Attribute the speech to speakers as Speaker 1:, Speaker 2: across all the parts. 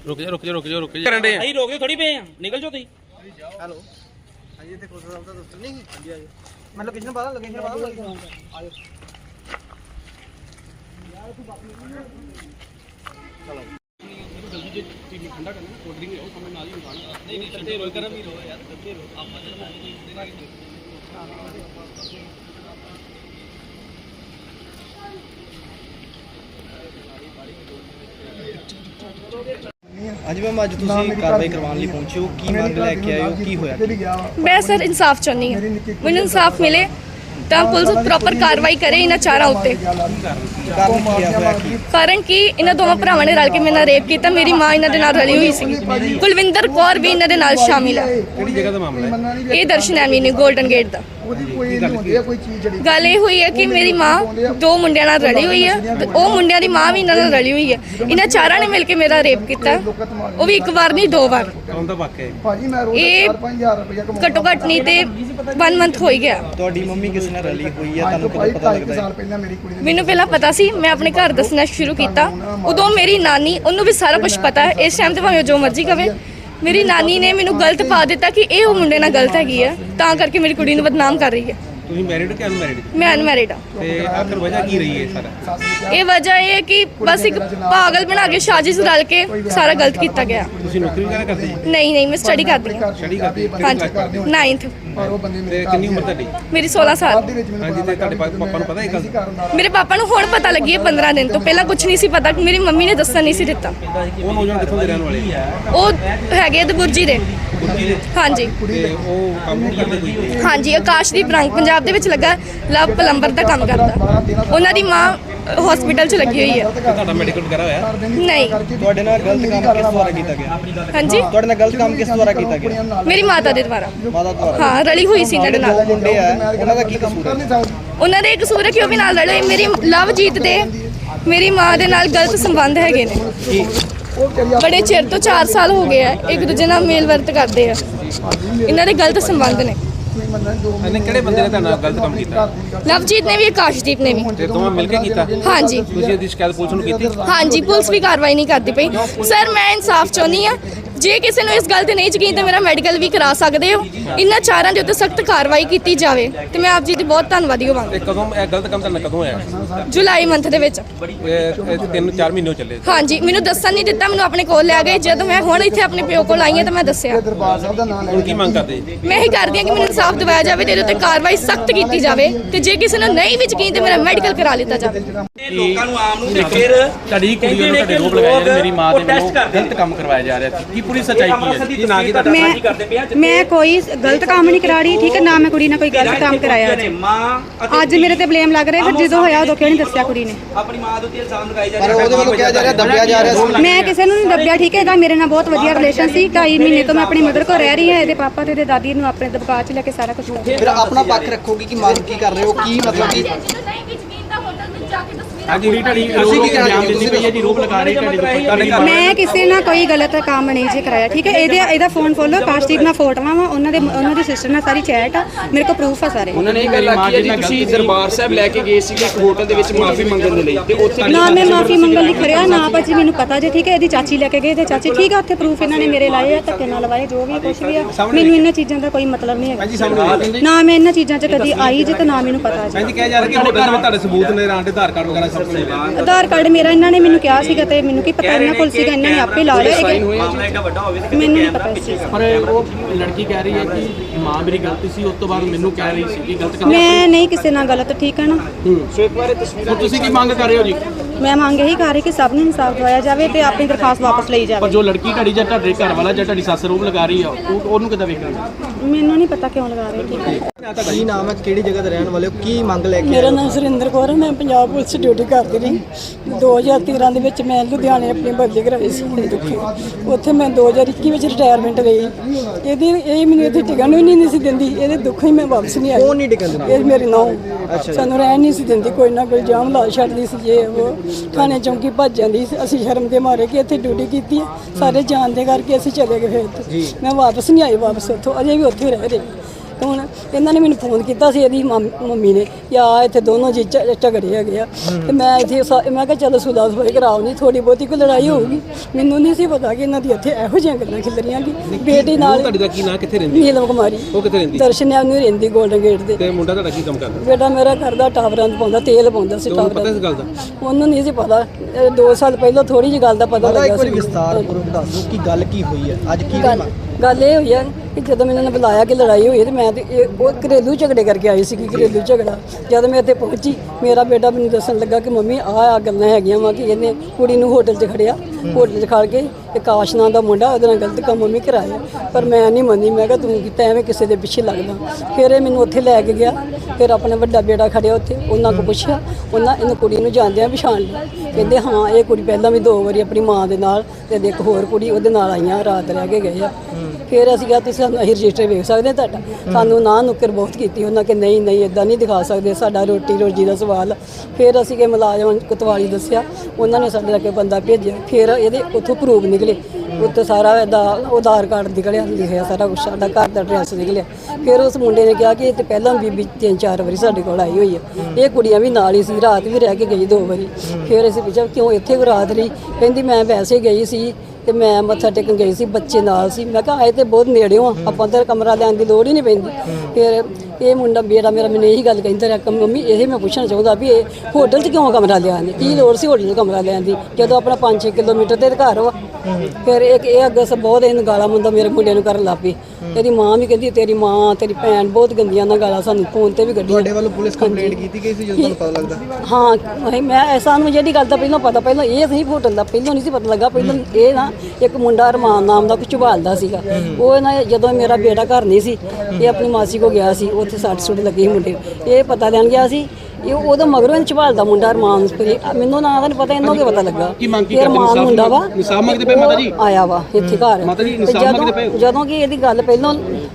Speaker 1: रुक जा करन दे
Speaker 2: ਅਸੀਂ ਰੋਕਦੇ ਥੋੜੀ ਪਏ ਆ ਨਿਕਲ ਜਾਓ ਤੁਸੀਂ
Speaker 3: ਹੈਲੋ ਹਾਂਜੀ ਇੱਥੇ ਕੋਸਾ ਸਾਹਿਬ ਦਾ ਦਫ਼ਤਰ ਨਹੀਂ ਹਾਂਜੀ ਆਜੋ ਮੈਂ ਲੋਕੇਸ਼ਨ ਪਤਾ ਆਜੋ ਅੱਜ ਮੈਮ ਅੱਜ ਤੁਸੀਂ ਕਾਰਵਾਈ ਕਰਵਾਉਣ ਲਈ ਪਹੁੰਚੇ ਹੋ ਕੀ ਮੰਗ ਲੈ ਕੇ ਆਏ ਹੋ ਕੀ ਹੋਇਆ
Speaker 4: मैं सर इंसाफ चाहनी है मैंने इंसाफ मिले तो पुलिस प्रॉपर कार्रवाई करे इन्होंने चारा उत्ते
Speaker 3: ਕਾਰਨ ਕੀ ਹੋਇਆ ਕੀ
Speaker 4: कारण कि इन्होंने दोवां भरावां ने रल के मेरे नाल रेप किया मेरी मां इन्हां दे नाल रली हुई सी कुलविंदर कौर भी इन्हां दे नाल शामिल है
Speaker 1: ਕਿਹੜੀ ਜਗ੍ਹਾ ਦਾ ਮਾਮਲਾ ਹੈ
Speaker 4: ये दर्शन एवेन्यू गोल्डन गेट दा गल ये हुई है कि मेरी मां दो मुंडियां नाल रली हुई है ते ओ मुंडियां दी मां भी इन्हां नाल रली हुई है इन्हां चारां ने मिल के मेरा रेप किया वो भी एक बार नहीं दो बार
Speaker 1: ਕੌਣ ਦਾ ਵਾਕਿਆ ਹੈ
Speaker 4: ये घट्टो घट नहीं ते 1 मंथ हो ही गया
Speaker 3: ਤੁਹਾਡੀ ਮੰਮੀ ਕਿਸ ਨਾਲ ਰਲੀ ਹੋਈ ਹੈ ਤੁਹਾਨੂੰ ਕਦੋਂ ਪਤਾ ਲੱਗਦਾ ਹੈ
Speaker 4: ਮੈਨੂੰ ਪਹਿਲਾਂ ਪਤਾ ਸੀ ਮੈਂ ਆਪਣੇ ਘਰ ਦੱਸਣਾ ਸ਼ੁਰੂ ਕੀਤਾ ਉਦੋਂ ਮੇਰੀ ਨਾਨੀ ਉਹਨੂੰ ਵੀ ਸਾਰਾ ਕੁਝ ਪਤਾ ਹੈ ਇਸ ਟਾਈਮ ਤੇ ਭਾਵੇਂ ਜੋ ਮਰਜ਼ੀ ਕਵੇ ਮੇਰੀ ਨਾਨੀ ਨੇ ਮੈਨੂੰ ਗਲਤ ਪਾ ਦਿੱਤਾ ਕਿ ਇਹ ਉਹ ਮੁੰਡੇ ਨਾਲ ਗਲਤ ਹੈਗੀ ਹੈ ਤਾਂ ਕਰਕੇ ਮੇਰੀ ਕੁੜੀ ਨੂੰ ਬਦਨਾਮ ਕਰ ਰਹੀ ਹੈ
Speaker 1: ਤੁਸੀਂ ਮੈਰਿਡ ਕਿ ਅਨਮੈਰਿਡ
Speaker 4: ਮੈਂ ਅਨਮੈਰਿਡ ਹਾਂ
Speaker 1: ਤੇ ਆਖਰ ਵਜ੍ਹਾ ਕੀ ਰਹੀ ਹੈ ਸਾਰਾ
Speaker 4: ਇਹ ਵਜ੍ਹਾ ਇਹ ਹੈ ਕਿ ਬਸ ਇੱਕ ਪਾਗਲ ਬਣਾ ਕੇ ਸਾਜ਼ਿਸ਼ ਰਲ ਕੇ ਸਾਰਾ ਗਲਤ ਕੀਤਾ ਗਿਆ
Speaker 1: ਤੁਸੀਂ ਨੌਕਰੀ ਵਗੈਰਾ ਕਰਦੇ ਜੀ
Speaker 4: ਨਹੀਂ ਮੈਂ ਸਟੱਡੀ ਕਰਦੀ ਹਾਂ
Speaker 1: ਸਟੱਡੀ ਕਰਦੇ
Speaker 4: ਹਾਂਜੀ 9th
Speaker 1: ਤੇ ਕਿੰਨੀ ਉਮਰ ਤੁਹਾਡੀ
Speaker 4: ਮੇਰੀ 16 ਸਾਲ
Speaker 1: ਹਾਂਜੀ ਤੇ ਤੁਹਾਡੇ ਪਾਪਾ ਨੂੰ ਪਤਾ ਇਹ ਗੱਲ
Speaker 4: ਮੇਰੇ ਪਾਪਾ ਨੂੰ ਹੁਣ ਪਤਾ ਲੱਗੀ ਹੈ 15 ਦਿਨ ਤੋਂ ਪਹਿਲਾਂ ਕੁਝ ਨਹੀਂ ਸੀ ਪਤਾ ਮੇਰੀ ਮੰਮੀ ਨੇ ਦੱਸਣ ਨਹੀਂ ਸੀ ਦਿੱਤਾ
Speaker 1: ਉਹ ਨੌਜਵਾਨ ਕਿੱਥੋਂ ਦੇ ਰਹਿਣ ਵਾਲੇ
Speaker 4: ਉਹ ਹੈਗੇ ਦਬੁਰਜੀ ਦੇ ਹਾਂਜੀ
Speaker 1: ਤੇ ਉਹ ਕੰਮ ਨਹੀਂ ਕਰਦੇ ਕੋਈ
Speaker 4: ਹਾਂਜੀ ਆਕਾਸ਼ਦੀਪ ਰੰਗ ਪੰਜਾਬ ਦੇ ਵਿੱਚ ਲੱਗਾ ਲਵ ਪਲੰਬਰ ਦਾ ਕੰਮ ਕਰਦਾ ਉਹਨਾਂ ਦੀ ਮਾਂ ਹਸਪੀਟਲ 'ਚ ਲੱਗੀ ਹੋਈ ਹੈ
Speaker 1: ਤੁਹਾਡਾ ਮੈਡੀਕਲ ਵਗੈਰਾ ਹੋਇਆ
Speaker 4: ਨਹੀਂ
Speaker 3: ਤੁਹਾਡੇ ਨਾਲ ਗਲਤ ਕੰਮ ਕਿਸ ਦੁਆਰਾ ਕੀਤਾ ਗਿਆ
Speaker 4: ਹਾਂਜੀ
Speaker 3: ਤੁਹਾਡੇ ਨਾਲ ਗਲਤ ਕੰਮ ਕਿਸ ਦੁਆਰਾ ਕੀਤਾ ਗਿਆ
Speaker 4: ਮੇਰੀ ਮਾਤਾ ਦੇ ਦੁਆਰਾ
Speaker 3: ਮਾਤਾ ਦੁਆਰਾ
Speaker 4: ਹਾਂ ਰਲੀ ਹੋਈ ਸੀ ਇਹਨਾਂ ਦੇ ਨਾਲ
Speaker 3: ਮੁੰਡੇ ਆ ਉਹਨਾਂ ਦਾ ਕੀ ਕਸੂਰ ਹੈ
Speaker 4: ਉਹਨਾਂ ਦੇ ਕਸੂਰ ਹੈ ਕਿ ਉਹ ਵੀ ਨਾਲ ਰਲੇ ਮੇਰੀ ਲਵਜੀਤ ਦੇ ਮੇਰੀ ਮਾਂ ਦੇ ਨਾਲ ਗਲਤ ਸੰਬੰਧ ਹੈਗੇ ਨੇ ਬੜੇ ਚਿਰ ਤੋਂ 4 ਸਾਲ ਹੋ ਗਏ ਆ ਇੱਕ ਦੂਜੇ ਨਾਲ ਮੇਲ ਵਰਤ ਕਰਦੇ ਆ ਇਹਨਾਂ ਦੇ ਗਲਤ ਸੰਬੰਧ ਨੇ
Speaker 1: ਇਹਨੇ ਕਿਹੜੇ ਬੰਦੇ ਨੇ ਤੁਹਾਡਾ ਗਲਤ ਕੰਮ ਕੀਤਾ
Speaker 4: ਲਵਜੀਤ ਨੇ ਵੀ ਆਕਾਸ਼ਦੀਪ ਨੇ ਵੀ
Speaker 1: ਤੇ ਦੋਵਾਂ ਮਿਲ ਕੇ ਕੀਤਾ
Speaker 4: ਹਾਂਜੀ
Speaker 1: ਤੁਸੀਂ ਇਹਦੀ ਸ਼ਿਕਾਇਤ ਪੁਲਿਸ ਨੂੰ ਕੀਤੀ
Speaker 4: ਹਾਂਜੀ ਪੁਲਿਸ ਵੀ ਕਾਰਵਾਈ ਨਹੀਂ ਕਰਦੀ ਪਈ ਸਰ ਮੈਂ ਇਨਸਾਫ ਚਾਹੁੰਦੀ ਆ ਜੇ ਕਿਸੇ ਨੂੰ ਇਸ ਗੱਲ ਤੇ ਨਹੀਂ ਯਕੀਨ ਤਾਂ ਮੇਰਾ ਮੈਡੀਕਲ ਵੀ ਕਰਾ ਸਕਦੇ ਹੋ ਇਹਨਾਂ ਚਾਰਾਂ ਦੇ ਉੱਤੇ ਸਖਤ ਕਾਰਵਾਈ ਕੀਤੀ ਜਾਵੇ ਤੇ ਮੈਂ ਆਪ ਜੀ ਦੀ ਬਹੁਤ ਧੰਨਵਾਦੀ ਹੋਵਾਂਗੀ
Speaker 1: ਤੇ ਕਦੋਂ ਇਹ ਗਲਤ ਕੰਮ ਤੁਹਾਡਾ ਕਦੋਂ ਹੋਇਆ
Speaker 4: ਜੁਲਾਈ ਮੰਥ ਦੇ ਵਿੱਚ
Speaker 1: ਇਹ 3-4 ਮਹੀਨੇ ਹੋ ਚੱਲੇ
Speaker 4: ਹਾਂਜੀ ਮੈਨੂੰ ਦੱਸਣ ਨਹੀਂ ਦਿੱਤਾ ਮੈਨੂੰ ਆਪਣੇ ਕੋਲ ਲੈ ਗਏ ਜਦੋਂ ਮੈਂ ਹੁਣ ਇੱਥੇ ਆਪਣੇ ਪਿਓ ਕੋਲ ਆਈ ਹਾਂ ਤਾਂ ਮੈਂ ਦੱਸਿਆ
Speaker 1: ਹੁਣ ਕੀ ਮੰਗ ਕਰਦੇ ਜੀ
Speaker 4: ਮੈਂ ਇਹ ਕਰਦੀ ਹਾਂ ਕਿ ਮੈਨੂੰ ਇਨਸਾਫ ਦਿਵਾਇਆ ਜਾਵੇ ਤੇ ਇਹਦੇ ਉੱਤੇ ਕਾਰਵਾਈ ਸਖਤ ਕੀਤੀ ਜਾਵੇ ਤੇ ਜੇ ਕਿਸੇ ਨੂੰ ਨਹੀਂ ਵੀ ਯਕੀਨ ਤੇ ਮੇਰਾ ਮੈਡੀਕਲ ਕਰਾ ਲਿੱਤਾ ਜਾਵੇ
Speaker 2: ਲੋਕਾਂ ਨੂੰ ਆਮ ਨੂੰ ਤੇ ਫਿਰ
Speaker 1: ਤੁਹਾਡੀ ਕੁੜੀ ਵੱਲੋਂ ਤੁਹਾਡੇ ਰੋਪ ਲਗਾਏ ਜਾਂਦੇ ਮੇਰੀ ਮਾਂ ਦੇ ਵੱਲੋਂ ਗਲਤ ਕੰਮ ਕਰਵਾਇਆ ਜਾ ਰਿਹਾ ਸੀ ਕੀ ਪੂਰੀ ਸੱਚਾਈ ਕੀ ਹੈ ਜੀ ਨਾ ਕੀ
Speaker 5: मैं कोई गलत काम नहीं करा रही ठीक है ना मैं कुड़ी ने कोई गलत काम कराया ਅੱਜ ਮੇਰੇ ਤੇ ਬਲੇਮ ਲੱਗ ਰਿਹਾ ਫਿਰ ਜਦੋਂ ਹੋਇਆ ਉਦੋਂ ਕਿਉਂ ਨਹੀਂ ਦੱਸਿਆ ਕੁੜੀ ਨੇ
Speaker 2: ਆਪਣੀ ਮਾਂ ਦੇ ਉੱਤੇ ਇਲਜ਼ਾਮ ਲਗਾਏ ਜਾ
Speaker 3: ਪਰ ਉਹਦੇ ਵੱਲੋਂ ਕਿਹਾ ਜਾ ਰਿਹਾ ਦੱਬਿਆ ਜਾ ਰਿਹਾ ਸੀ
Speaker 5: ਮੈਂ ਕਿਸੇ ਨੂੰ ਨਹੀਂ ਦੱਬਿਆ ਠੀਕ ਹੈ ਇਹਦਾ ਮੇਰੇ ਨਾਲ ਬਹੁਤ ਵਧੀਆ ਰਿਲੇਸ਼ਨ ਸੀ 2.5 ਮਹੀਨੇ ਤੋਂ ਮੈਂ ਆਪਣੀ ਮਦਰ ਕੋਲ ਰਹਿ ਰਹੀ ਹਾਂ ਇਹਦੇ ਪਾਪਾ ਤੇ ਇਹਦੇ ਦਾਦੀ ਨੂੰ ਆਪਣੇ ਦਬਕਾ 'ਚ ਲੈ ਕੇ ਸਾਰਾ ਕੁਝ
Speaker 3: ਫਿਰ ਆਪਣਾ ਪੱਖ ਰੱਖੋਗੇ ਕਿ ਮੰਗ ਕੀ ਕਰ ਰਹੇ ਹੋ ਕੀ ਮਤਲਬ ਕਿ
Speaker 1: ਹਾਂਜੀ ਤੁਹਾਡੀ ਅਸੀਂ ਕੀ ਇਲਜ਼ਾਮ ਦਿੰਦੀ ਪਈ ਹੈ ਜੀ ਰੋਪ ਲਗਾ ਰਹੀ ਤੁਹਾਡੇ ਘਰ
Speaker 5: ਮੈਂ ਕਿਸੇ ਨਾਲ ਕੋਈ ਗਲਤ ਕੰਮ ਨਹੀਂ ਜੀ ਕਰਾਇਆ ਠੀਕ ਹੈ ਇਹਦਾ ਫੋਨ ਫੋਲੋ ਕਾਸ਼ਦੀਪ ਨਾਲ ਫੋਟੋਆਂ ਵਾ ਉਹਨਾਂ ਦੀ ਸਿਸਟਰ ਨਾਲ ਸਾਰੀ ਚੈਟ ਆ ਮੇਰੇ ਕੋਲ ਪ੍ਰੂਫ ਆ ਸਾਰੇ
Speaker 6: ਉਹਨਾਂ ਨੇ ਇਹ ਗੱਲ ਆਖੀ ਹੈ ਜੀ ਤੁਸੀਂ ਦਰਬਾਰ ਸਾਹਿਬ ਲੈ ਕੇ ਗਏ ਸੀ ਇੱਕ ਹੋਟਲ ਦੇ ਵਿੱਚ ਮਾਫੀ ਮੰਗਣ ਦੇ ਲਈ ਤੇ ਉੱਥੇ
Speaker 5: ਨਾ ਮੈਂ ਮਾਫੀ ਮੰਗਣ ਲਈ ਖੜਿਆ ਨਾ ਭਾਜੀ ਮੈਨੂੰ ਪਤਾ ਜੇ ਠੀਕ ਹੈ ਇਹਦੀ ਚਾਚੀ ਲੈ ਕੇ ਗਏ ਤੇ ਚਾਚੀ ਠੀਕ ਆ ਉੱਥੇ ਪ੍ਰੂਫ ਇਹਨਾਂ ਨੇ ਮੇਰੇ ਲਾਏ ਆ ਧੱਕੇ ਨਾਲ ਲਵਾਏ ਜੋ ਵੀ ਕੁਝ ਵੀ ਆ ਮੈਨੂੰ ਇਹਨਾਂ ਚੀਜ਼ਾਂ ਦਾ ਕੋਈ ਮਤਲਬ ਨਹੀਂ ਹੈਗਾ ਨਾ ਮੈਂ ਇਹਨਾਂ ਚੀਜ਼ਾਂ 'ਚ ਕਦੀ ਆਈ ਜੇ ਤੇ ਨਾ ਮੈਨੂੰ ਪਤਾ ਜੀ
Speaker 1: ਹਾਂਜੀ ਕਿਹਾ ਜਾ ਰਿਹਾ ਕਿ ਹੋਟਲ ਵਿੱਚ ਤੁਹਾਡੇ ਸਬੂਤ ਨੇ ਆਧਾਰ ਕਾਰਡ ਵਗੈਰਾ ਸਭ ਕੁਝ
Speaker 5: ਆਧਾਰ ਕਾਰਡ ਮੇਰਾ ਇਹਨਾਂ ਨੇ ਮੈਨੂੰ ਕਿਹਾ ਸੀਗਾ ਤੇ ਮੈਨੂੰ ਕੀ ਪਤਾ ਇਹਨਾਂ ਕੋਲ ਸੀਗਾ ਇਹਨਾਂ ਨੇ ਆਪੇ ਲਾ ਲਿਆ ਮੈਨੂੰ ਨਹੀਂ ਪਤਾ ਇਸ ਚੀਜ਼ ਦਾ
Speaker 6: ਪਰ ਉਹ ਲੜਕੀ ਕਹਿ ਰਹੀ ਹੈ ਕਿ ਮਾਂ ਮੇਰੀ ਗਲਤੀ ਸੀ ਉਸ ਤੋਂ ਬਾਅਦ ਮੈਨੂੰ ਕਹਿ ਰਹੀ ਸੀ ਕਿ ਗਲਤ
Speaker 5: ਮੈਂ ਨਹੀਂ ਕਿਸੇ ਨਾਲ ਗਲਤ ਠੀਕ ਹੈ ਨਾ
Speaker 6: ਸੋ ਇੱਕ ਵਾਰ ਤੁਸੀਂ ਕੀ ਮੰਗ ਕਰ ਰਹੇ ਹੋ ਜੀ
Speaker 5: ਮੈਂ ਮੰਗ ਇਹੀ ਕਰ ਰਹੀ ਕਿ ਸਭ ਨੂੰ ਇਨਸਾਫ ਦਿਵਾਇਆ ਜਾਵੇ ਤੇ ਆਪਣੀ ਦਰਖਾਸਤ ਵਾਪਸ ਲਈ
Speaker 6: ਪਰ
Speaker 5: ਜਾਵੇ
Speaker 6: ਜੋ ਲੜਕੀ ਤੁਹਾਡੀ ਜਾਂ ਤੁਹਾਡੇ ਘਰ ਵਾਲਾ ਜਾਂ ਤੁਹਾਡੀ ਸੱਸ ਰੋਪ ਲਗਾ ਰਹੀ ਆ ਉਹਨੂੰ ਕਿੱਦਾਂ ਵੇਖਣਾ
Speaker 5: ਮੈਨੂੰ ਨਹੀਂ ਪਤਾ ਕਿਉਂ ਲਗਾ ਰਹੇ ਠੀਕ ਹੈ
Speaker 3: ਕੀ ਨਾਮ ਹੈ ਕਿਹੜੀ ਜਗ੍ਹਾ ਤੇ ਰਹਿਣ ਵਾਲੇ ਹੋ ਕੀ ਮੰਗ ਲੈ ਕੇ
Speaker 7: ਮੇਰਾ ਨਾਮ ਸੁਰਿੰਦਰ ਕੌਰ ਹੈ ਮੈਂ ਪੰਜਾਬ ਪੁਲਿਸ 'ਚ ਡਿਊਟੀ ਕਰਦੀ ਰਹੀ 2013 ਦੇ ਵਿੱਚ ਮੈਂ ਲੁਧਿਆਣੇ ਆਪਣੀ ਬਦਲੀ ਕਰਾਈ ਸੀ ਦੁੱਖੀ ਉੱਥੇ ਮੈਂ 2021 ਵਿੱਚ ਰਿਟਾਇਰਮੈਂਟ ਲਈ ਇਹ ਮੈਨੂੰ ਇੱਥੇ ਟਿਕਣ ਵੀ ਨਹੀਂ ਸੀ ਦਿੰਦੀ ਇਹਦੇ ਦੁੱਖ ਹੀ ਮੈਂ ਵਾਪਸ ਨਹੀਂ ਆਈ
Speaker 3: ਕੌਣ ਨਹੀਂ ਟਿਕਣ ਦਿੰਦਾ
Speaker 7: ਇਹ ਮੇਰੀ ਨੂੰਹ ਸਾਨੂੰ ਰਹਿਣ ਨਹੀਂ ਸੀ ਦਿੰਦੀ ਕੋਈ ਨਾ ਕੋਈ ਇਲਜ਼ਾਮ ਲਾ ਛੱਡਦੀ ਸੀ ਜੇ ਉਹ ਥਾਣੇ ਚੌਂਕੀ ਭੱਜ ਜਾਂਦੀ ਸੀ ਅਸੀਂ ਸ਼ਰਮ ਦੇ ਮਾਰੇ ਕਿ ਇੱਥੇ ਡਿਊਟੀ ਕੀਤੀ ਹੈ ਸਾਰੇ ਜਾਣਦੇ ਕਰਕੇ ਅਸੀਂ ਚਲੇ ਗਏ ਫਿਰ ਮੈਂ ਵਾਪਸ ਨਹੀਂ ਆਈ ਵਾਪਸ ਉੱਥੋਂ ਅਜੇ ਵੀ ਉੱਥੇ ਰਹਿ ਰਹੀ ਤੇ ਹੁਣ ਇਹਨਾਂ ਨੇ ਮੈਨੂੰ ਫੋਨ ਕੀਤਾ ਸੀ ਇਹਦੀ ਮੰਮੀ ਨੇ ਕਿ ਆ ਇੱਥੇ ਦੋਨੋਂ ਜੀ ਝਗੜੇ ਹੈਗੇ ਆ ਤੇ ਮੈਂ ਇੱਥੇ ਮੈਂ ਕਿਹਾ ਚਲੋ ਸੁਲਾ ਸਫਾਈ ਕਰਾਓ, ਨਹੀਂ ਥੋੜੀ ਬਹੁਤੀ ਕੋਈ ਲੜਾਈ ਹੋਊਗੀ। ਮੈਨੂੰ ਨਹੀਂ ਸੀ ਪਤਾ ਕਿ ਇਹਨਾਂ ਦੀ ਇੱਥੇ ਇਹੋ ਜਿਹੀਆਂ ਗੱਲਾਂ ਖਿਲ ਰਹੀਆਂ ਕਿ ਬੇਟੀ ਨਾਲ।
Speaker 6: ਤੁਹਾਡੀ ਦਾ ਕੀ ਨਾਂ, ਕਿੱਥੇ ਰਹਿੰਦੀ?
Speaker 7: ਨੀਲਮ ਕੁਮਾਰੀ।
Speaker 6: ਉਹ ਕਿੱਥੇ ਰਹਿੰਦੀ?
Speaker 7: ਦਰਸ਼ਨ ਐਵਨਿਊ ਰਹਿੰਦੀ ਗੋਲਡਨ ਗੇਟ ਦੇ।
Speaker 6: ਤੇ ਮੁੰਡਾ ਤੁਹਾਡਾ ਕੀ ਕੰਮ ਕਰਦਾ?
Speaker 7: ਬੇਟਾ ਮੇਰਾ ਕਰਦਾ ਟਾਵਰਾਂ ਦਾ ਪਾਉਂਦਾ, ਤੇਲ ਪਾਉਂਦਾ ਸੀ ਟਾਵਰਾਂ
Speaker 6: ਪਤਾ ਇਸ ਗੱਲ ਦਾ?
Speaker 7: ਉਹਨੂੰ ਨਹੀਂ ਸੀ ਪਤਾ। 2 ਸਾਲ ਪਹਿਲਾਂ ਥੋੜੀ ਜਿਹੀ ਗੱਲ ਦਾ ਪਤਾ ਲੱਗਾ ਸੀ।
Speaker 3: ਵਿਸਤਾਰਪੂਰਵਕ ਦੱਸ ਦਿਓ ਕਿ ਗੱਲ ਕੀ ਹੋਈ ਹੈ ਅੱਜ, ਕੀ
Speaker 7: ਗੱਲ ਇਹ ਹੋਈ ਆ ਕਿ ਜਦੋਂ ਮੈਨੂੰ ਬੁਲਾਇਆ ਕਿ ਲੜਾਈ ਹੋਈ ਤੇ ਮੈਂ ਤੇ ਉਹ ਘਰੇਲੂ ਝਗੜੇ ਕਰਕੇ ਆਈ ਸੀ। ਘਰੇਲੂ ਝਗੜਾ ਜਦ ਮੈਂ ਇੱਥੇ ਪਹੁੰਚੀ, ਮੇਰਾ ਬੇਟਾ ਮੈਨੂੰ ਦੱਸਣ ਲੱਗਾ ਕਿ ਮੰਮੀ ਆਹ ਗੱਲਾਂ ਹੈਗੀਆਂ ਵਾ ਕਿ ਇਹਨੇ ਕੁੜੀ ਨੂੰ ਹੋਟਲ 'ਚ ਖੜਿਆ, ਹੋਟਲ 'ਚ ਖੜ ਕੇ ਆਕਾਸ਼ ਨਾਂ ਦਾ ਮੁੰਡਾ ਉਹਦੇ ਨਾਲ ਗਲਤ ਕੰਮ ਮੰਮੀ ਕਰਾਇਆ। ਪਰ ਮੈਂ ਨਹੀਂ ਮੰਨੀ, ਮੈਂ ਕਿਹਾ ਤੂੰ ਕੀਤਾ ਐਵੇਂ ਕਿਸੇ ਦੇ ਪਿੱਛੇ ਲੱਗਦਾ। ਫਿਰ ਇਹ ਮੈਨੂੰ ਉੱਥੇ ਲੈ ਕੇ ਗਿਆ, ਫਿਰ ਆਪਣਾ ਵੱਡਾ ਬੇਟਾ ਖੜਿਆ ਉੱਥੇ, ਉਹਨਾਂ ਕੋਲ ਪੁੱਛਿਆ, ਉਹਨਾਂ ਇਹਨੂੰ ਕੁੜੀ ਨੂੰ ਜਾਣਦਿਆਂ ਪਛਾਣ ਲਿਆ। ਕਹਿੰਦੇ ਹਾਂ ਇਹ ਕੁੜੀ ਪਹਿਲਾਂ ਵੀ 2 ਵਾਰੀ ਆਪਣੀ ਮਾਂ ਦੇ ਨਾਲ ਤੇ ਇੱਕ ਹੋਰ ਕੁੜੀ ਉਹਦੇ ਨਾਲ ਆਈਆਂ, ਰਾਤ ਰਹਿ ਕੇ ਗਏ ਆ। ਫਿਰ ਅਸੀਂ ਕਿਹਾ ਤੁਸੀਂ ਸਾਨੂੰ ਅਸੀਂ ਰਜਿਸਟਰ ਵੇਖ ਸਕਦੇ ਤੁਹਾਡਾ? ਸਾਨੂੰ ਨਾ ਨੁੱਕਰ ਬਹੁਤ ਕੀਤੀ ਉਹਨਾਂ ਕਿ ਨਹੀਂ ਇਦਾਂ ਨਹੀਂ ਦਿਖਾ ਸਕਦੇ, ਸਾਡਾ ਰੋਟੀ ਰੋਜੀ ਦਾ ਸਵਾਲ। ਫਿਰ ਅਸੀਂ ਕਿ ਮੁਲਾਜ਼ਮ ਕੋਤਵਾਲੀ ਦੱਸਿਆ, ਉਹਨਾਂ ਨੇ ਸਾਡੇ ਲੱਗੇ ਬੰਦਾ ਭੇਜਿਆ। ਫਿਰ ਇਹਦੇ ਉੱਥੋਂ ਪ੍ਰੂਫ ਨਿਕਲੇ, ਉੱਤੇ ਸਾਰਾ ਇਹਦਾ ਆਧਾਰ ਕਾਰਡ ਨਿਕਲਿਆ, ਲਿਖਿਆ ਸਾਰਾ ਕੁਛ, ਸਾਡਾ ਘਰ ਦਾ ਐਡਰੈਸ ਨਿਕਲਿਆ। ਫਿਰ ਉਸ ਮੁੰਡੇ ਨੇ ਕਿਹਾ ਕਿ ਇਹ ਤੇ ਪਹਿਲਾਂ ਬੀਬੀ 3-4 ਵਾਰੀ ਸਾਡੇ ਕੋਲ ਆਈ ਹੋਈ ਹੈ, ਇਹ ਕੁੜੀਆਂ ਵੀ ਨਾਲ ਹੀ ਸੀ, ਰਾਤ ਵੀ ਰਹਿ ਕੇ ਗਈ 2 ਵਾਰੀ। ਫਿਰ ਅਸੀਂ ਪੁੱਛਿਆ ਕਿਉਂ ਇੱਥੇ ਕੋ ਰਾਤ ਰਹੀ? ਕਹਿੰਦੀ ਮੈਂ ਵੈਸੇ ਗਈ ਸੀ ਤੇ ਮੈਂ ਮੱਥਾ ਟੇਕਣ ਗਈ ਸੀ, ਬੱਚੇ ਨਾਲ ਸੀ। ਮੈਂ ਕਿਹਾ ਆਏ ਤੇ ਬਹੁਤ ਨੇੜਿਓਂ ਆ, ਆਪਾਂ ਤਾਂ ਕਮਰਾ ਲੈਣ ਦੀ ਲੋੜ ਹੀ ਨਹੀਂ ਪੈਂਦੀ। ਫਿਰ ਇਹ ਮੁੰਡਾ ਬੇਟਾ ਮੇਰਾ ਮੈਨੂੰ ਇਹੀ ਗੱਲ ਕਹਿੰਦਾ ਰਿਹਾ ਕਿ ਮੰਮੀ ਇਹ ਮੈਂ ਪੁੱਛਣਾ ਚਾਹੁੰਦਾ ਵੀ ਇਹ ਹੋਟਲ 'ਚ ਕਿਉਂ ਕਮਰਾ ਲਿਆ ਨੇ, ਕੀ ਲੋੜ ਸੀ ਹੋਟਲ 'ਚ ਕਮਰਾ ਲੈਣ ਦੀ ਜਦੋਂ ਆਪਣਾ 5-6 ਕਿਲੋਮੀਟਰ ਤੇ ਘਰ ਵਾ। ਫਿਰ ਇਹ ਅੱਗੇ ਬਹੁਤ ਇਹਨੂੰ ਗਾਲਾਂ ਮੁੰਡਾ ਮੇਰੇ ਮੁੰਡੇ ਨੂੰ ਕਰਨ ਲੱਗ ਪਈ। ਇਹਦੀ ਮਾਂ ਵੀ ਕਹਿੰਦੀ ਤੇਰੀ ਮਾਂ ਤੇਰੀ ਭੈਣ ਬਹੁਤ ਗੰਦੀਆਂ ਨਾਲ ਗਾਲਾਂ ਸਾਨੂੰ ਫੋਨ ਤੇ ਵੀ ਕੱਢੀਆਂ।
Speaker 3: ਤੁਹਾਡੇ ਵੱਲੋਂ ਪੁਲਿਸ ਕੰਪਲੇਂਟ ਕੀਤੀ ਗਈ ਸੀ ਜਦੋਂ ਤੁਹਾਨੂੰ ਪਤਾ ਲੱਗਦਾ?
Speaker 7: ਹਾਂ ਮੈਂ ਸਾਨੂੰ ਜਿਹੜੀ ਗੱਲ ਦਾ ਪਹਿਲਾਂ ਪਤਾ, ਪਹਿਲਾਂ ਇਹ ਨਹੀਂ ਹੋਟਲ ਦਾ ਪਹਿਲਾਂ ਨਹੀਂ ਸੀ ਪਤਾ ਲੱਗਾ। ਪਹਿਲਾਂ ਇਹ ਨਾ ਇੱਕ ਮੁੰਡਾ ਅਰਮਾਨ ਨਾਮ ਦਾ ਕੁਝ ਝੁਬਾਲਦਾ ਸੀਗਾ, ਉਹ ਨਾ ਜਦੋਂ ਮੇਰਾ ਬੇਟਾ ਘਰ ਨਹੀਂ ਸੀ, ਇਹ ਆਪਣੀ ਮਾਸੀ ਕੋ ਗਿਆ ਸੀ, ਉੱਥੇ 60 ਲੱਗੀ ਸੀ ਮੁੰਡੇ, ਇਹ ਪਤਾ ਲੈਣ ਗਿਆ ਸੀ। ਇਹ ਉਹਦਾ ਮਗਰੋਂ ਝੁਬਾਲਦਾ ਮੁੰਡਾ ਅਰਮਾਨ, ਮੈਨੂੰ ਨਾਂ ਦਾ ਨਹੀਂ ਪਤਾ, ਇਹਨੂੰ ਕੀ ਪਤਾ ਲੱਗਾ। ਅਰਮਾਨ ਮੁੰਡਾ ਵਾ, ਆਇਆ ਵਾ ਇੱਥੇ ਘਰ। ਜਦੋਂ ਕਿ ਇਹਦੀ ਗੱਲ ਪਹਿਲਾਂ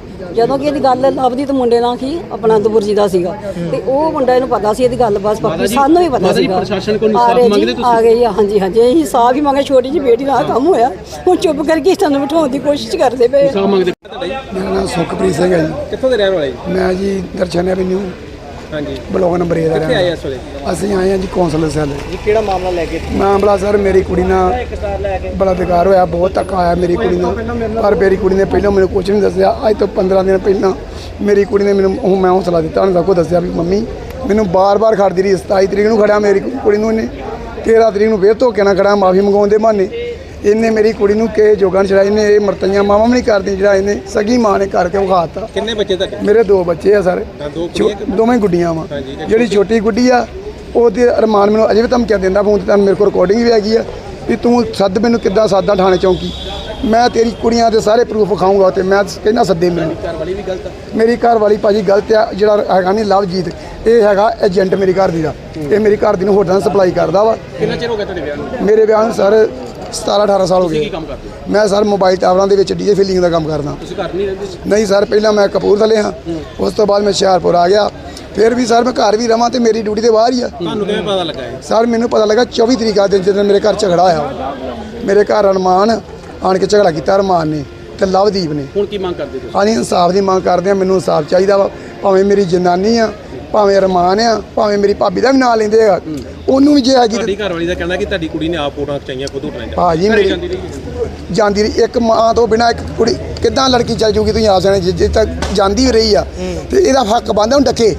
Speaker 7: ਲੱਭਦੀ ਤੇ ਮੁੰਡੇ ਨਾਲ ਕੀ ਆਪਣਾ ਦਬੁਰ ਜੀ ਦਾ ਸੀਗਾ, ਤੇ ਉਹ ਮੁੰਡਾ ਇਹਨੂੰ ਪਤਾ ਸੀ ਇਹਦੀ ਗੱਲ, ਬਸ ਬਾਕੀ ਸਾਨੂੰ ਵੀ ਪਤਾ ਸੀਗਾ। ਪ੍ਰਸ਼ਾਸਨ ਕੋਲ ਇਨਸਾਫ ਮੰਗਦੇ ਤੁਸੀਂ? ਆ ਗਏ ਹਾਂਜੀ ਇਹੀ ਇਨਸਾਫ ਹੀ ਮੰਗੇ। ਛੋਟੀ ਜਿਹੀ ਬੇਟੀ ਨਾਲ ਕੰਮ ਹੋਇਆ, ਹੁਣ ਚੁੱਪ ਕਰਕੇ ਸਾਨੂੰ ਬਿਠਾਉਣ ਦੀ ਕੋਸ਼ਿਸ਼ ਕਰਦੇ ਪਏ।
Speaker 8: ਮੇਰਾ ਨਾਮ ਸੁਖਪ੍ਰੀਤ ਸਿੰਘ ਹੈ ਜੀ।
Speaker 6: ਕਿੱਥੋਂ ਦੇ ਰਹਿਣ ਵਾਲੇ?
Speaker 8: ਮੈਂ ਜੀ ਦਰਸ਼ਨ ਐਵਨਿਊ
Speaker 6: ਹਾਂਜੀ
Speaker 8: ਬਲਾਕ ਨੰਬਰ 1 ਦਾ
Speaker 6: ਕਿੱਥੇ ਆਏ ਇਸ ਵੇਲੇ?
Speaker 8: ਅਸੀਂ ਆਏ ਹਾਂ ਜੀ ਕੌਂਸਲਰ ਸੈੱਲ
Speaker 3: ਜੀ। ਕਿਹੜਾ ਮਾਮਲਾ ਲੈ ਕੇ?
Speaker 8: ਮਾਮਲਾ ਸਰ ਮੇਰੀ ਕੁੜੀ ਨਾਲ ਬੜਾ ਬੇਕਾਰ ਹੋਇਆ, ਬਹੁਤ ਧੱਕਾ ਆਇਆ ਮੇਰੀ ਕੁੜੀ ਨਾਲ। ਪਰ ਮੇਰੀ ਕੁੜੀ ਨੇ ਪਹਿਲਾਂ ਮੈਨੂੰ ਕੁਝ ਨਹੀਂ ਦੱਸਿਆ। ਅੱਜ ਤੋਂ 15 ਦਿਨ ਪਹਿਲਾਂ ਮੇਰੀ ਕੁੜੀ ਨੇ ਮੈਨੂੰ ਮੈਂ ਹੌਸਲਾ ਦਿੱਤਾ, ਉਹਨੇ ਸਭ ਕੁਝ ਦੱਸਿਆ ਵੀ ਮੰਮੀ ਮੈਨੂੰ ਬਾਰ-ਬਾਰ ਖੜਦੀ ਰਹੀ। 27 ਤਰੀਕ ਨੂੰ ਖੜਿਆ ਮੇਰੀ ਕੁੜੀ ਨੂੰ, ਇਹਨੇ 13 ਤਰੀਕ ਨੂੰ ਫੇਰ ਧੋਕੇ ਨਾਲ ਖੜਾ, ਮਾਫੀ ਮੰਗਾਉਣ ਦੇ ਬਹਾਨੇ। ਇਹਨੇ ਮੇਰੀ ਕੁੜੀ ਨੂੰ ਕਿਸੇ ਜੋਗਾਂ ਛੜਾਈ, ਇਹਨੇ ਇਹ ਮਰਤਈਆਂ ਮਾਵਾਂ ਵੀ ਨਹੀਂ ਕਰਦੀ, ਜਿਹੜਾ ਇਹਨੇ ਸਗੀ ਮਾਂ ਨੇ ਕਰਕੇ ਵਿਖਾਤਾ।
Speaker 6: ਕਿੰਨੇ ਬੱਚੇ ਤੁਹਾਡੇ?
Speaker 8: ਮੇਰੇ 2 ਬੱਚੇ ਆ ਸਰ, ਦੋਵੇਂ ਗੁੱਡੀਆਂ ਵਾ। ਜਿਹੜੀ ਛੋਟੀ ਗੁੱਡੀ ਆ ਉਹਦੇ ਅਰਮਾਨ ਮੈਨੂੰ ਅਜੇ ਵੀ ਧਮਕੀਆਂ ਦਿੰਦਾ ਫੋਨ ਤੇ, ਤੁਹਾਨੂੰ ਮੇਰੇ ਕੋਲ ਰਿਕਾਰਡਿੰਗ ਵੀ ਹੈਗੀ ਆ ਵੀ ਤੂੰ ਸੱਦ ਮੈਨੂੰ, ਕਿੱਦਾਂ ਸਾਦਾ ਥਾਣੇ ਚੌਂਕੀ, ਮੈਂ ਤੇਰੀ ਕੁੜੀਆਂ ਦੇ ਸਾਰੇ ਪ੍ਰੂਫ ਵਿਖਾਊਂਗਾ। ਤੇ ਮੈਂ ਕਹਿੰਦਾ ਸੱਦੇ ਮੈਨੂੰ।
Speaker 6: ਘਰਵਾਲੀ ਵੀ ਗਲਤ ਆ?
Speaker 8: ਮੇਰੀ ਘਰਵਾਲੀ ਭਾਜੀ ਗਲਤ ਆ। ਜਿਹੜਾ ਹੈਗਾ ਨਹੀਂ ਲਵਜੀਤ, ਇਹ ਹੈਗਾ ਏਜੰਟ ਮੇਰੀ ਘਰ ਦੀ ਦਾ, ਇਹ ਮੇਰੀ ਘਰ ਦੀ ਨੂੰ ਹੋਟਲਾਂ ਸਪਲਾਈ ਕਰਦਾ ਵਾ।
Speaker 6: ਕਿੰਨਾ ਚਿਰ ਹੋ ਗਿਆ ਤੁਹਾਡੇ ਵਿਆਹ ਨੂੰ?
Speaker 8: ਮੇਰੇ ਵਿਆਹ ਨੂੰ ਸਰ 17-18 ਸਾਲ ਹੋ ਗਏ।
Speaker 1: ਕੀ ਕੰਮ ਕਰਦੇ ਹੋ?
Speaker 8: ਮੈਂ ਸਰ ਮੋਬਾਈਲ ਟਾਵਰਾਂ ਦੇ ਵਿੱਚ ਡੀਜੇ ਫਿਲਿੰਗ ਦਾ ਕੰਮ ਕਰਦਾ।
Speaker 1: ਤੁਸੀਂ ਘਰ ਨਹੀਂ ਰਹਿੰਦੇ?
Speaker 8: ਨਹੀਂ ਸਰ, ਪਹਿਲਾਂ ਮੈਂ ਕਪੂਰਥਲੇ ਹਾਂ, ਉਸ ਤੋਂ ਬਾਅਦ ਮੈਂ ਹੁਸ਼ਿਆਰਪੁਰ ਆ ਗਿਆ। ਫਿਰ ਵੀ ਸਰ ਮੈਂ ਘਰ ਵੀ ਰਵਾਂ ਤੇ ਮੇਰੀ ਡਿਊਟੀ ਤੇ ਬਾਹਰ ਹੀ ਆ।
Speaker 6: ਤੁਹਾਨੂੰ ਕਿਵੇਂ ਪਤਾ ਲੱਗਾ ਇਹ?
Speaker 8: ਸਰ ਮੈਨੂੰ ਪਤਾ ਲੱਗਾ 24 ਤਰੀਕ ਆ ਦਿਨ ਜਦੋਂ ਮੇਰੇ ਘਰ ਝਗੜਾ ਹੋਇਆ। ਮੇਰੇ ਘਰ ਅਰਮਾਨ ਆਣ ਕੇ ਝਗੜਾ ਕੀਤਾ, ਅਰਮਾਨ ਨੇ ਤੇ ਲਵਦੀਪ ਨੇ।
Speaker 1: ਹੁਣ ਕੀ ਮੰਗ ਕਰਦੇ ਤੁਸੀਂ?
Speaker 8: ਅਸੀਂ ਇਨਸਾਫ ਦੀ ਮੰਗ ਕਰਦੇ ਹਾਂ, ਮੈਨੂੰ ਇਨਸਾਫ ਚਾਹੀਦਾ ਵਾ। ਭਾਵੇਂ ਮੇਰੀ ਜਨਾਨੀ ਆ, ਭਾਵੇਂ ਅਰਮਾਨ ਆ, ਭਾਵੇਂ ਮੇਰੀ ਭਾਬੀ ਦਾ ਵੀ ਨਾਂ ਲੈਂਦੇ ਆ, ਉਹਨੂੰ ਵੀ ਜੇ ਹੈਗੀ।
Speaker 6: ਤੁਹਾਡੀ ਘਰਵਾਲੀ ਦਾ ਕਹਿਣਾ ਕਿ ਤੁਹਾਡੀ ਕੁੜੀ ਨੇ ਆਪ ਫੋਟੋਆਂ ਖਿਚਾਈਆਂ ਖੁਦ ਉਠਾਈਆਂ।
Speaker 8: ਭਾਜੀ ਮੇਰੀ ਜਾਂਦੀ ਰਹੀ, ਇੱਕ ਮਾਂ ਤੋਂ ਬਿਨਾਂ ਇੱਕ ਕੁੜੀ ਕਿੱਦਾਂ ਲੜਕੀ ਚੱਲ ਜੂਗੀ? ਤੁਸੀਂ ਆਪ ਜਾਣੇ, ਜੇ ਤੱਕ ਜਾਂਦੀ ਵੀ ਰਹੀ ਆ ਤੇ ਇਹਦਾ ਹੱਕ ਬਣਦਾ ਹੁਣ ਡੱਕੇ,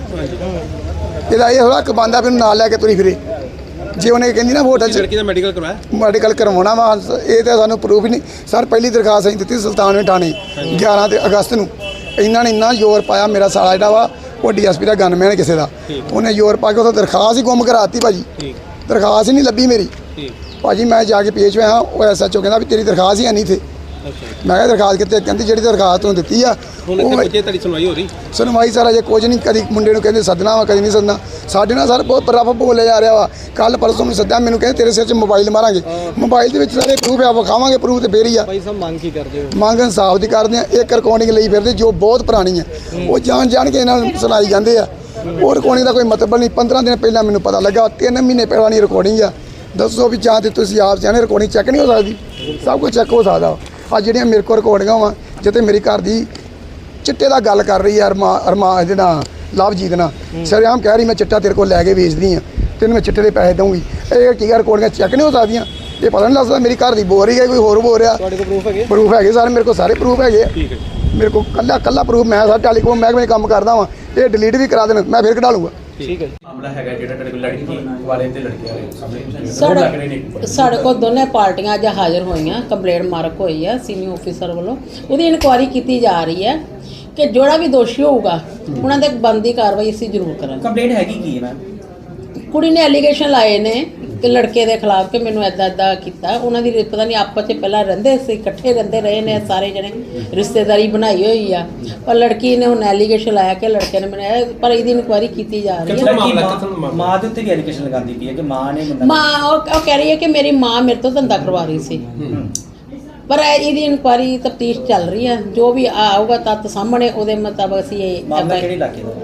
Speaker 8: ਇਹਦਾ ਇਹ ਹੱਕ ਬਣਦਾ ਵੀ ਉਹਨੂੰ ਨਾਲ ਲੈ ਕੇ ਤੁਰੀ ਫਿਰੇ। ਜੇ ਉਹਨੇ ਕਹਿੰਦੀ ਨਾ ਹੋਟਲ 'ਚ
Speaker 6: ਲੜਕੀ ਦਾ ਮੈਡੀਕਲ ਕਰਵਾਇਆ,
Speaker 8: ਮੈਡੀਕਲ ਕਰਵਾਉਣਾ ਵਾ, ਇਹ ਤਾਂ ਸਾਨੂੰ ਪ੍ਰੂਫ ਹੀ ਨਹੀਂ ਸਰ। ਪਹਿਲੀ ਦਰਖਾਸਤ ਅਸੀਂ ਦਿੱਤੀ ਸੁਲਤਾਨਵੇਂ ਥਾਣੇ 11 ਅਗਸਤ ਨੂੰ। ਇਹਨਾਂ ਨੇ ਇੰਨਾ ਜ਼ੋਰ ਪਾਇਆ, ਮੇਰਾ ਸਾਲਾ ਜਿਹੜਾ ਵਾ ਉਹ ਡੀਐਸਪੀ ਦਾ ਗਨਮੈਨ ਕਿਸੇ ਦਾ, ਉਹਨੇ ਜ਼ੋਰ ਪਾ ਕੇ ਉੱਥੋਂ ਦਰਖਾਸਤ ਹੀ ਗੁੰਮ ਕਰਾਤੀ ਭਾਜੀ। ਦਰਖਾਸਤ ਹੀ ਨਹੀਂ ਲੱਭੀ ਮੇਰੀ ਭਾਜੀ। ਮੈਂ ਜਾ ਕੇ ਪੇਸ਼ ਹੋਇਆ, ਉਹ ਐਸਐਚਓ ਕਹਿੰਦਾ ਵੀ ਤੇਰੀ ਦਰਖਾਸਤ ਹੀ ਹੈ ਨਹੀਂ ਇੱਥੇ। ਮੈਂ ਕਿਹਾ ਦਰਖਾਸਤ ਕਿੱਥੇ? ਕਹਿੰਦੀ ਜਿਹੜੀ ਦਰਖਾਸਤ ਤੁਹਾਨੂੰ ਦਿੱਤੀ ਆ ਉਹ
Speaker 6: ਬੱਚੇ ਤੁਹਾਡੀ ਸੁਣਵਾਈ ਹੋ ਰਹੀ?
Speaker 8: ਸੁਣਵਾਈ ਸਰ ਅਜੇ ਕੁਝ ਨਹੀਂ, ਕਦੀ ਮੁੰਡੇ ਨੂੰ ਕਹਿੰਦੇ ਸੱਦਣਾ ਵਾ, ਕਦੀ ਨਹੀਂ ਸੱਦਣਾ। ਸਾਡੇ ਨਾਲ ਸਰ ਬਹੁਤ ਰਫ ਬੋਲਿਆ ਜਾ ਰਿਹਾ ਵਾ। ਕੱਲ ਪਰਸੋਂ ਨੂੰ ਸੱਦਿਆ, ਮੈਨੂੰ ਕਹਿੰਦੇ ਤੇਰੇ ਸਿਰ 'ਚ ਮੋਬਾਈਲ ਮਾਰਾਂਗੇ। ਮੋਬਾਈਲ ਦੇ ਵਿੱਚ ਸਾਰੇ ਪ੍ਰੂਫ ਆ, ਵਿਖਾਵਾਂਗੇ ਪ੍ਰੂਫ ਤੇ ਫੇਰ ਹੀ ਆ।
Speaker 3: ਭਾਈ ਸਾਹਿਬ ਮੰਗ ਕੀ ਕਰਦੇ ਹੋ?
Speaker 8: ਮੰਗ ਇਨਸਾਫ ਦੀ ਕਰਦੇ ਆ। ਇੱਕ ਰਿਕਾਰਡਿੰਗ ਲਈ ਫਿਰਦੇ ਜੋ ਬਹੁਤ ਪੁਰਾਣੀ ਆ, ਉਹ ਜਾਣ ਕੇ ਇਹਨਾਂ ਨੂੰ ਸੁਣਾਈ ਜਾਂਦੇ ਆ। ਉਹ ਰਿਕਾਰਡਿੰਗ ਦਾ ਕੋਈ ਮਤਲਬ ਨਹੀਂ। 15 ਦਿਨ ਪਹਿਲਾਂ ਮੈਨੂੰ ਪਤਾ ਲੱਗਾ, 3 ਮਹੀਨੇ ਪਹਿਲਾਂ ਰਿਕਾਰਡਿੰਗ ਆ। ਦੱਸੋ ਵੀ ਜਾਂ ਤੇ ਤੁਸੀਂ ਆਪ ਜਾਣੇ ਰਿਕਾਰਡਿੰਗ ਚੈੱਕ ਨਹੀਂ ਹੋ ਸਕਦੀ? ਸਭ ਕੁਝ ਚੈੱਕ ਹੋ ਸਕਦਾ। ਆ ਜਿਹੜੀਆਂ ਮੇਰੇ ਕੋਲ ਰਿਕਾਰਡਿੰਗਾਂ ਵਾ, ਜਿੱਥੇ ਮੇਰੀ ਘਰ ਦੀ ਚਿੱਟੇ ਦਾ ਗੱਲ ਕਰ ਰਹੀ ਹੈ ਅਰਮਾ ਜਿਹੜਾ ਲਵਜੀਤ ਨਾਲ ਸ਼ਰੇਆਮ ਕਹਿ ਰਹੀ ਮੈਂ ਚਿੱਟਾ ਤੇਰੇ ਕੋਲ ਲੈ ਕੇ ਵੇਚਦੀ ਆ ਤੈਨੂੰ ਮੈਂ ਚਿੱਟੇ ਦੇ ਪੈਸੇ ਦਊਂਗੀ। ਇਹ ਟੀਕਾ ਰਿਕਾਰਡਿੰਗਾਂ ਚੈੱਕ ਨਹੀਂ ਹੋ ਸਕਦੀਆਂ? ਇਹ ਪਤਾ ਨਹੀਂ ਲੱਗਦਾ ਮੇਰੀ ਘਰ ਦੀ ਬੋਲ ਰਹੀ ਹੈ ਕੋਈ ਹੋਰ ਬੋਲ ਰਿਹਾ।
Speaker 3: ਤੁਹਾਡੇ ਕੋਲ ਪ੍ਰੂਫ ਹੈਗੇ?
Speaker 8: ਪ੍ਰੂਫ ਹੈਗੇ ਸਾਰੇ, ਮੇਰੇ ਕੋਲ ਸਾਰੇ ਪ੍ਰੂਫ ਹੈਗੇ ਆ।
Speaker 3: ਠੀਕ ਹੈ।
Speaker 8: ਮੇਰੇ ਕੋਲ ਕੱਲਾ ਪ੍ਰੂਫ, ਮੈਂ ਸਾਰਾ ਟੈਲੀਕਾਮ ਮਹਿਕਮੇ 'ਚ ਕੰਮ ਕਰਦਾ ਵਾਂ, ਇਹ ਡਿਲੀਟ ਵੀ ਕਰਾ ਦੇਣ ਮੈਂ ਫਿਰ ਕਢਾ ਲੂੰਗਾ।
Speaker 3: ਠੀਕ ਹੈ ਜੀ।
Speaker 1: ਮਾਮਲਾ ਹੈਗਾ ਜਿਹੜਾ ਤੁਹਾਡੇ ਕੋਲ ਲੜਕੀ ਵਾਲੇ ਤੇ ਲੜਕੇ ਵਾਲੇ ਸਾਹਮਣੇ
Speaker 9: ਸਾਡੇ ਕੋਲ ਦੋਨੇ ਪਾਰਟੀਆਂ ਅੱਜ ਹਾਜ਼ਰ ਹੋਈਆਂ, ਕੰਪਲੇਂਟ ਮਾਰਕ ਹੋਈ ਹੈ ਸੀਨੀਅਰ ਆਫੀਸਰ ਵੱਲੋਂ, ਉਹਦੀ ਇਨਕੁਆਇਰੀ ਕੀਤੀ ਜਾ ਰਹੀ ਹੈ ਕਿ ਜਿਹੜਾ ਵੀ ਦੋਸ਼ੀ ਹੋਊਗਾ ਉਹਨਾਂ ਦੇ ਬਣਦੀ ਕਾਰਵਾਈ ਅਸੀਂ ਜ਼ਰੂਰ ਕਰਾਂਗੇ।
Speaker 2: ਕੰਪਲੇਂਟ ਹੈਗੀ ਕੀ ਹੈ ਮੈਮ?
Speaker 9: ਕੁੜੀ ਨੇ ਐਲੀਗੇਸ਼ਨ ਲਾਏ ਨੇ ਕਿ ਲੜਕੇ ਦੇ ਖਿਲਾਫ ਕਿ ਮੈਨੂੰ ਇੱਦਾਂ ਕੀਤਾ। ਉਹਨਾਂ ਦੀ ਪਤਾ ਨਹੀਂ ਆਪਸ 'ਚ ਪਹਿਲਾਂ ਰਹਿੰਦੇ ਸੀ, ਇਕੱਠੇ ਰਹਿੰਦੇ ਰਹੇ ਨੇ ਸਾਰੇ ਜਣੇ, ਰਿਸ਼ਤੇਦਾਰੀ ਬਣਾਈ ਹੋਈ ਆ, ਪਰ ਲੜਕੀ ਨੇ ਹੁਣ ਐਲੀਗੇਸ਼ਨ ਲਾਇਆ ਕਿ ਲੜਕੇ ਨੇ ਬਣਾਇਆ, ਪਰ ਇਹਦੀ ਇਨਕੁਆਇਰੀ ਕੀਤੀ ਜਾ ਰਹੀ ਹੈ।
Speaker 2: ਮਾਂ ਦੇ ਉੱਤੇ ਵੀ ਐਲੀਗੇਸ਼ਨ ਲਗਾਉਂਦੀ ਪਈ ਹੈ ਕਿ ਮਾਂ ਨੇ
Speaker 9: ਮਾਂ ਉਹ ਕਹਿ ਰਹੀ ਹੈ ਕਿ ਮੇਰੀ ਮਾਂ ਮੇਰੇ ਤੋਂ ਧੰਦਾ ਕਰਵਾ ਰਹੀ ਸੀ, ਪਰ ਇਹਦੀ ਇਨਕੁਆਇਰੀ ਤਫਤੀਸ਼ ਚੱਲ ਰਹੀ ਹੈ। ਜੋ ਵੀ ਆਊਗਾ ਤੱਤ ਸਾਹਮਣੇ ਉਹਦੇ ਮੁਤਾਬਕ ਅਸੀਂ ਇਹ
Speaker 2: ਮਾਮਲਾ ਕਿਹੜੇ ਇਲਾਕੇ ਦਾ?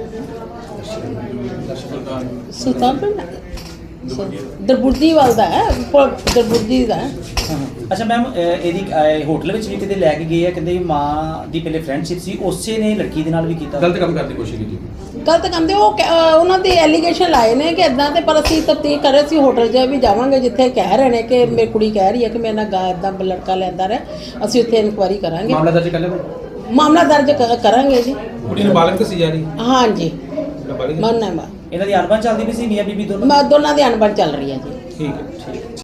Speaker 9: ਸੁਲਤਾਨਪੁਰ ਦਰਬੁਰਜੀ ਵਾਲ ਦਾ ਹੈ, ਦਰਬੁਰਜੀ ਦਾ ਹੈ।
Speaker 2: ਅੱਛਾ ਮੈਮ, ਇਹਦੀ ਹੋਟਲ ਵਿੱਚ ਵੀ ਕਿਤੇ ਲੈ ਕੇ ਗਏ ਆ, ਕਹਿੰਦੇ ਮਾਂ ਦੀ ਪਹਿਲੇ ਫਰੈਂਡਸ਼ਿਪ ਸੀ, ਉਸੇ ਨੇ ਲੜਕੀ ਦੇ ਨਾਲ ਵੀ ਕੀਤਾ।
Speaker 1: ਗਲਤ ਕੰਮ ਕਰਨ ਦੀ ਕੋਸ਼ਿਸ਼ ਕੀਤੀ।
Speaker 9: ਗਲਤ ਕੰਮ ਦੇ ਉਹਨਾਂ ਦੇ ਐਲੀਗੇਸ਼ਨ ਲਾਏ ਨੇ ਕਿ ਇਦਾਂ ਤੇ, ਪਰ ਅਸੀਂ ਤਫਤੀਸ਼ ਕਰ ਰਹੇ ਸੀ। ਹੋਟਲ 'ਚ ਵੀ ਜਾਵਾਂਗੇ ਜਿੱਥੇ ਕਹਿ ਰਹੇ ਨੇ ਕਿ ਮੇਰੀ ਕੁੜੀ ਕਹਿ ਰਹੀ ਹੈ ਕਿ ਮੇਰੇ ਨਾਲ ਇੱਦਾਂ ਲੜਕਾ ਲੈਂਦਾ ਰਿਹਾ, ਅਸੀਂ ਉੱਥੇ ਇਨਕੁਆਇਰੀ ਕਰਾਂਗੇ।
Speaker 1: ਮਾਮਲਾ ਦਰਜ ਕਰ ਲਿਆ?
Speaker 9: ਮਾਮਲਾ ਦਰਜ ਕਰਾਂਗੇ ਜੀ।
Speaker 3: ਕੁੜੀ ਨਾਬਾਲਗ ਦੱਸੀ ਜਾ ਰਹੀ?
Speaker 9: ਹਾਂਜੀ
Speaker 3: ਨਾਬਾਲਗ।
Speaker 9: ਮੰਨਣਾ
Speaker 2: ਇਹਨਾਂ ਦੀ ਅਣਬਣ ਚੱਲਦੀ ਪਈ ਸੀ, ਮੀਆਂ ਬੀਬੀ ਦੋਨੋਂ?
Speaker 9: ਦੋਨਾਂ ਦੀ ਅਣਬਣ ਚੱਲ ਰਹੀ ਹੈ ਜੀ।
Speaker 3: ਠੀਕ ਹੈ।